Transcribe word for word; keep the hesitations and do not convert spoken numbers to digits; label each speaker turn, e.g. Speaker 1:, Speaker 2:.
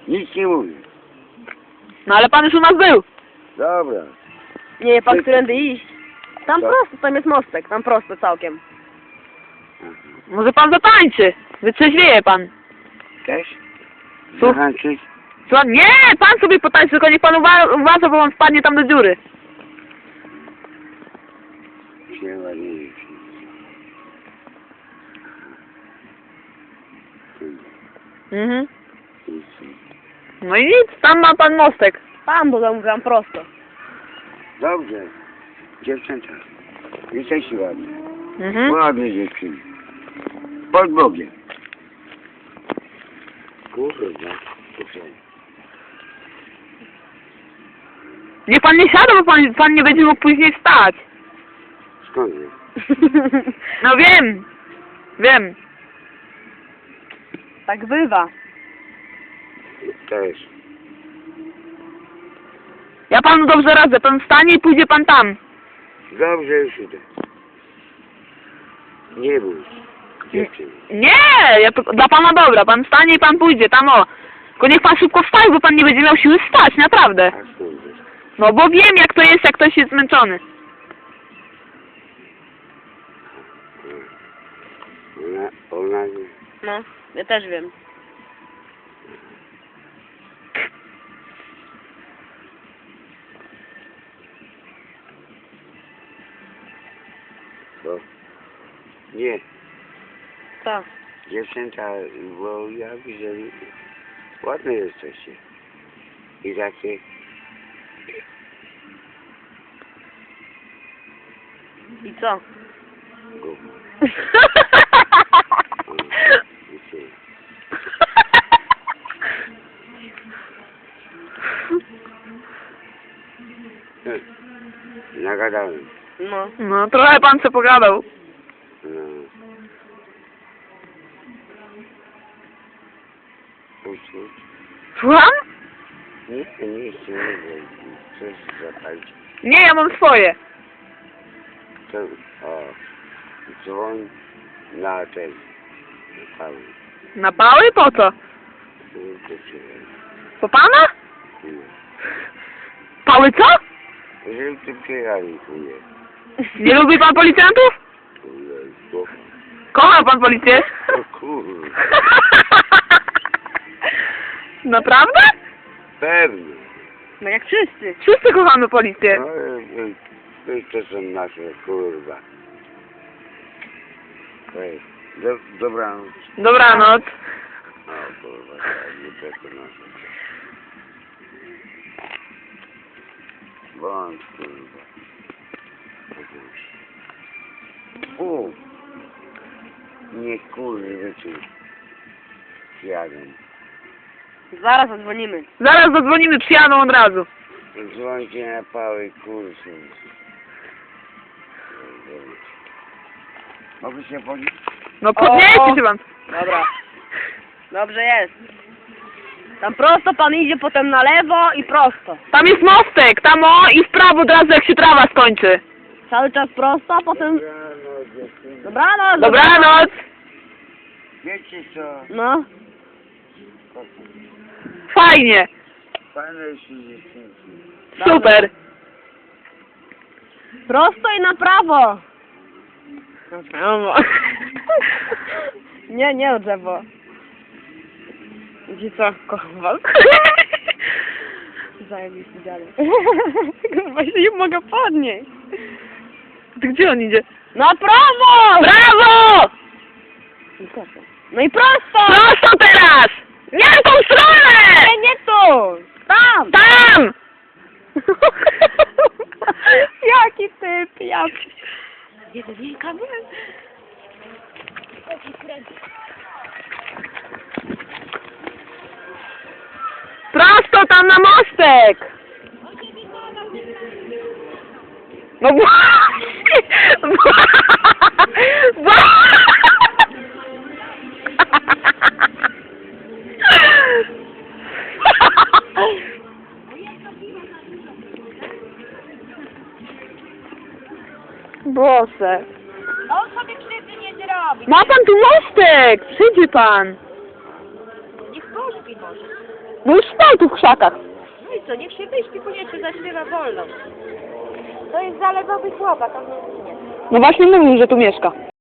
Speaker 1: Nic nie mówię.
Speaker 2: No ale pan już u nas był.
Speaker 1: Dobra.
Speaker 3: Nie wie pan, którędy iść? Tam
Speaker 1: Co?
Speaker 3: prosto, tam jest mostek, tam prosto całkiem.
Speaker 2: Może pan zatańczy. Wytrzeźwieje pan.
Speaker 1: Cześć?
Speaker 2: Co?
Speaker 1: Zahańczyć?
Speaker 2: Co? Nie! Pan sobie potańczy, tylko niech pan uwa uważa, bo on wpadnie tam do dziury.
Speaker 1: Się ładnie.
Speaker 2: Mhm. No i nic, tam ma pan mostek.
Speaker 3: Tam do domu, tam prosto.
Speaker 1: Dobrze. Dziewczęta. Jesteście ładne.
Speaker 2: Mhm.
Speaker 1: Ładne dziewczyny. Pod Bogiem. Kurwa.
Speaker 2: Niech pan nie siada, bo pan, pan nie będzie mógł później wstać.
Speaker 1: Skąd wiesz?
Speaker 2: No wiem. Wiem.
Speaker 3: Tak bywa.
Speaker 1: Też.
Speaker 2: Ja panu dobrze radzę. Pan wstanie i pójdzie pan tam.
Speaker 1: Dobrze, już idę. Nie bój się, dziewczyny.
Speaker 2: Nie! Ja, to- dla pana dobra. Pan wstanie i pan pójdzie tam o. Tylko niech pan szybko wstaje, bo pan nie będzie miał siły wstać, naprawdę.
Speaker 1: A skąd wiesz?
Speaker 2: No bo wiem jak to jest, jak ktoś jest zmęczony.
Speaker 1: Ona, ona...
Speaker 3: No, ja też wiem.
Speaker 1: Bo... Nie.
Speaker 3: Co?
Speaker 1: Dziewczęta, bo ja widzę, ładne jesteście. I takie...
Speaker 3: I co?
Speaker 1: Gówno. I tyle. Nagadałem.
Speaker 3: No.
Speaker 2: No trochę pan co pogadał.
Speaker 1: No. Puść, puść.
Speaker 2: Słucham?
Speaker 1: Nie chcę, nie chcę, nie chcę. Chcesz zapalić.
Speaker 2: Nie, ja mam swoje.
Speaker 1: To, o, dzwoń na ten, na cały.
Speaker 2: Na pały? Po co?
Speaker 1: To przyjechać.
Speaker 2: Po pana?
Speaker 1: Nie.
Speaker 2: Pały co?
Speaker 1: Jeżeli ty przyjechali, to nie.
Speaker 2: Nie lubi pan policjantów?
Speaker 1: Kurde, głowa.
Speaker 2: Kocha pan policję?
Speaker 1: O kurde.
Speaker 2: Naprawdę?
Speaker 1: Pewnie.
Speaker 3: No jak wszyscy.
Speaker 2: Wszyscy kochamy policję.
Speaker 1: No, e, e, to, to są nasze, kurwa. Ej, do, dobranoc.
Speaker 2: Dobranoc.
Speaker 1: O kurwa, tak, nie przekonasz. Bądź, kurwa. O! Nie kurwa, ci jadą.
Speaker 3: Zaraz zadzwonimy.
Speaker 2: Zaraz zadzwonimy, przyjadą od razu.
Speaker 1: Dzwońcie na pały kursy. Mogę się podnieść?
Speaker 2: No podnieście się pan.
Speaker 3: Dobra. Dobrze jest. Tam prosto pan idzie, potem na lewo i prosto.
Speaker 2: Tam jest mostek, tam o i w prawo od razu jak się trawa skończy.
Speaker 3: Cały czas prosto, a potem...
Speaker 1: Dobranoc, dziewczyny.
Speaker 3: Dobranoc.
Speaker 2: Dobranoc.
Speaker 1: Wiecie co?
Speaker 3: No.
Speaker 2: Fajnie.
Speaker 1: Fajne się dziewczynki.
Speaker 2: Super.
Speaker 3: Prosto i na prawo. Na prawo. Nie, nie o drzewo. Gdzie co? Kocham was. Zajebiście dalej. Kurwa, się nie mogę podnieść.
Speaker 2: To gdzie on idzie?
Speaker 3: Na prawo!
Speaker 2: Brawo!
Speaker 3: I prosto. No i prosto!
Speaker 2: Prosto teraz! Nie w tą stronę!
Speaker 3: Nie, nie tu! Tam!
Speaker 2: Tam!
Speaker 3: Jaki typ, ja... Jeden wielka
Speaker 2: Prosto tam na mostek! No właśnie! Boże.
Speaker 3: On sobie krzywdy nie zrobi.
Speaker 2: Ma pan tu mostek! Przyjdzie pan.
Speaker 3: Niech pośpi może.
Speaker 2: No już stał tu w krzakach.
Speaker 3: No i co, niech się wyśpi, koniecznie zaśpiewa wolno. To jest zalewowy chłopak, on nie zginie.
Speaker 2: No właśnie mówił, że tu mieszka.